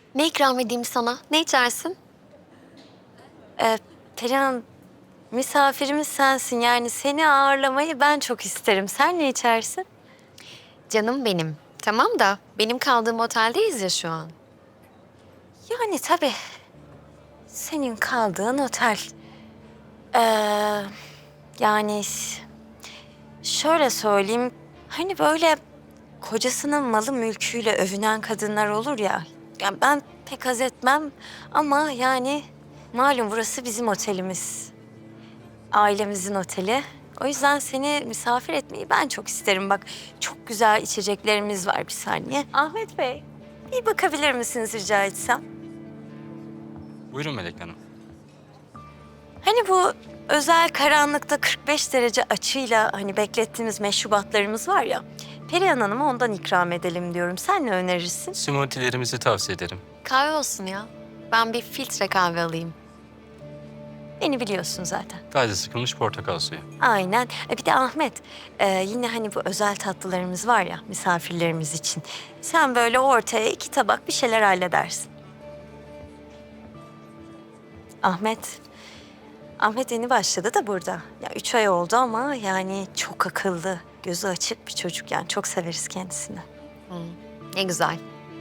Ne ikram edeyim sana? Ne içersin? Perihan, misafirimiz sensin. Yani seni ağırlamayı ben çok isterim. Sen ne içersin? Canım benim. Tamam da benim kaldığım oteldeyiz ya şu an. Yani tabii senin kaldığın otel. Ee, yani şöyle söyleyeyim. Hani böyle kocasının malı mülküyle övünen kadınlar olur ya. Yani ben pek haz etmem ama yani malum burası bizim otelimiz. Ailemizin oteli. O yüzden seni misafir etmeyi ben çok isterim. Bak çok güzel içeceklerimiz var bir saniye. Ahmet Bey, bir bakabilir misiniz rica etsem? Buyurun Melek Hanım. Hani bu özel karanlıkta 45 derece açıyla hani beklettiğimiz meşrubatlarımız var ya. Perihan Hanım'a ondan ikram edelim diyorum. Sen ne önerirsin? Smoothie'lerimizi tavsiye ederim. Kahve olsun ya. Ben bir filtre kahve alayım. Beni biliyorsun zaten. Taze sıkılmış portakal suyu. Aynen. Bir de Ahmet, yine hani bu özel tatlılarımız var ya misafirlerimiz için. Sen böyle ortaya 2 tabak bir şeyler halledersin. Ahmet, Ahmet yeni başladı da burada. Ya 3 ay oldu ama yani çok akıllı, gözü açık bir çocuk yani. Çok severiz kendisini. Ne güzel.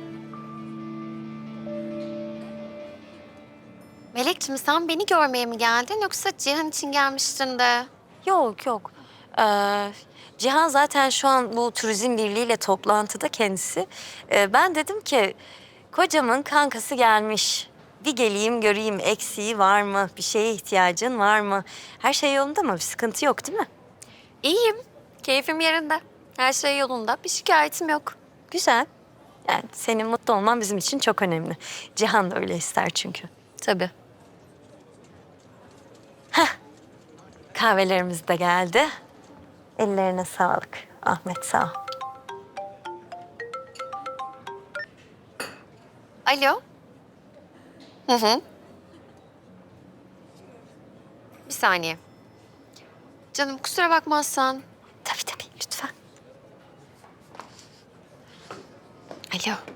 Melekciğim sen beni görmeye mi geldin yoksa Cihan için gelmiştin de? Yok yok. Cihan zaten şu an bu Turizm Birliği ile toplantıda kendisi. Ben dedim ki kocamın kankası gelmiş. Bir geleyim göreyim eksiği var mı? Bir şeye ihtiyacın var mı? Her şey yolunda mı? Bir sıkıntı yok değil mi? İyiyim. Keyfim yerinde. Her şey yolunda. Bir şikayetim yok. Güzel. Yani senin mutlu olman bizim için çok önemli. Cihan da öyle ister çünkü. Tabii. Kahvelerimiz de geldi. Ellerine sağlık. Ahmet sağ ol. Alo. Hı hı. Bir saniye. Canım kusura bakmazsan. Tabii tabii lütfen. Alo.